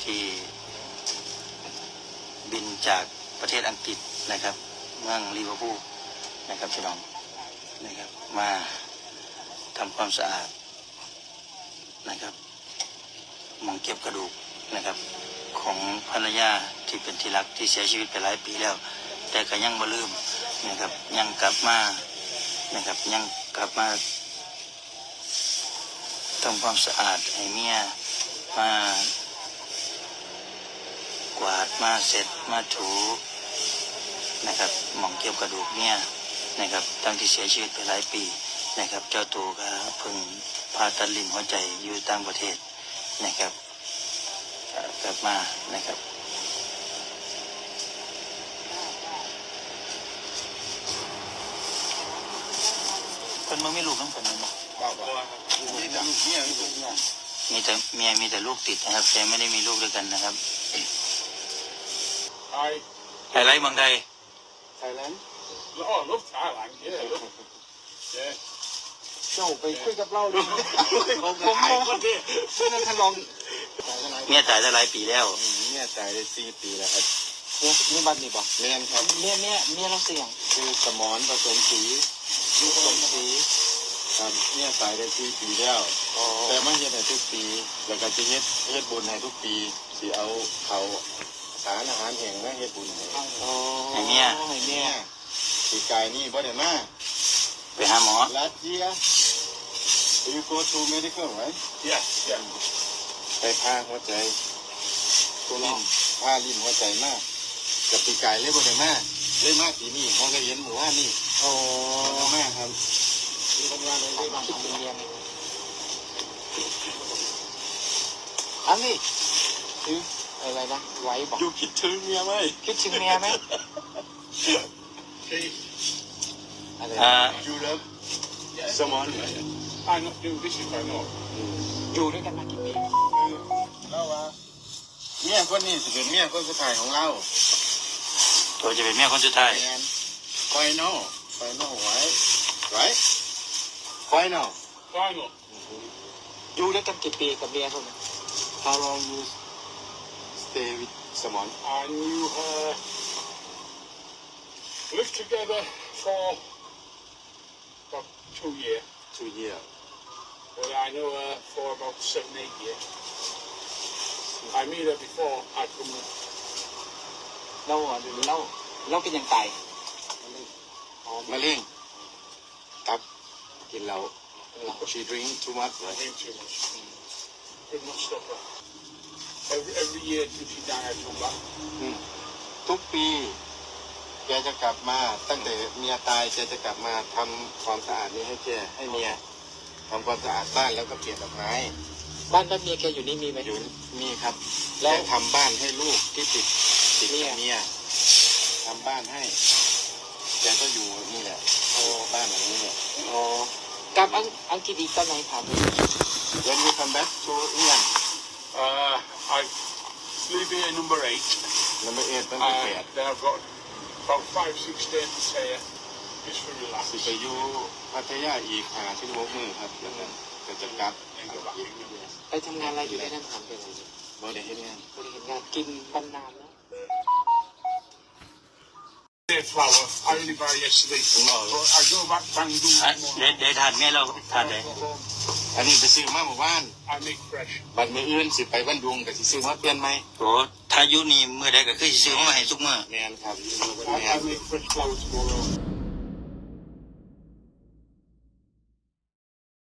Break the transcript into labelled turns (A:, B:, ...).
A: ที่บินจากประเทศอังกฤษนะครับเมืองลิเวอร์พูลนะครับพี่น้องนะครับมาทำความสะอาดนะครับหมองเก็บกระดูกนะครับของภรรยาที่เป็นที่รักที่เสียชีวิตไปหลายปีแล้วแต่ก็ยังบ่ลืมนะครับยังกลับมานะครับยังกลับมาทำความสะอาดให้เมียมากวาดมาเสร็จมาถูนะครับหมองเก็บกระดูกเมียนะครับตั้งที่เสียชีวิตไปหลายปีนะครับเจ้าตัวก็เพิ่งผ่าตัดลิ้นหัวใจอยู่ต่างประเทศนะครับกลับมานะครับคนมึงไม่ลูกต้องคนมึงมั้งมีแต่เมียลูกติดนะครับแต่ไม่ได้มีลูกด้วยกันนะครับไทยไลท์เมืองไทย
B: Thailand
C: อ๋อลูกThailand
B: เจ้าไปคุยกับเราเลยผม
C: คนเดียว
B: ช่วยนั่นท่านลอง
A: เมียตายได้หลายปีแล้ว
B: เมียตายได้4 ปีแล้วครับนี่บัตรนี่บอกเมียครับเมียเราเสี่ยงคือสมรผสมสีครับเมียตายได้4 ปีแล้วแต่ไม่เฮ็ดให้ทุกปีแล้วก็จะเฮ็ดบุญให้ทุกปีสิเอาเขาสารอาหารแห้งมาเฮ็ดบุญให้
A: เมีย
B: ปีกายนี่บ่ได้มา
A: ไปหาหมอ
B: Last year you go to medical right
C: yeah
B: ไปพาหัวใจพาลิ้นหัวใจมากกับปีกายเลยบ่ได้มาเลยมาปีนี้เขาก็เห็นหมู่ว่านี่มากครับคิดเป็นเรียนอันนี้คืออะไรนะไว้บอก
C: อยู่คิดถึงเมียไหม
B: คิดถึงเมียไหม
C: อยู่แล้วสมอนอยู่ที่ชิคาโน
B: อยู่ด้วยกันมากี่ปีแล้วว่าเมียคนนี้จะเป็นเมียคนสุดท้ายของเรา
A: ตัวจะเป็นเมียคนสุดท้าย
B: Final right อยู่ด้วยกันกี่ปีกับเมียเขาเนี่ย How long you stay with Samon
C: and you lived together for about 2 years but I know her for about 7-8 years I met her before I come
B: เราเป็นยังไงมะเร็งตับกินเหล้า she drink too much
C: I drink too much could not stop her every year till she died I come back
B: ทุกปีแกจะกลับมาตั้งแต่เมียตายแกจะกลับมาทำความสะอาดนี้ให้เมียทำความสะอาดบ้านแล้วก็เปลี่ยนดอกไม้บ้านเมียแกอยู่นี่มีไหมอยู่มีครับแล้วทำบ้านให้ลูกที่ติดเมียทำบ้านให้แกก็อยู่นี่แหละบ้านหลังนี้เนี่ยกลับอังกฤษอีกตอนไหนถาม When you come back to England
C: I live here number 8
B: ตั้งแต่8
C: then I've got about 5-6 days to stay here just for relax
B: ไปอยู่พัทยาอีก5-6 มื้อครับแล้วก็จะกลับไปทำงานอะไรอยู่ในนั้นถามไปเลยบริหารงานกินบรรนานแล้ว
C: flour I only buy yesterday but I go back Bandung
A: ได้ทานไงเราทานได้
B: อันนี้ไปซื้อมาเมื่อวาน
C: I make fresh
B: บัดมื้ออื่นสิไปบันดุงก็สิซื้อมาเปลี่ยนใหม่
A: โอ้ถ้าอยู่นี่มื้อใดก็คือสิซื้อมาให้ทุกมื้อ
B: แม่นครับ
C: I make fresh flour tomorrow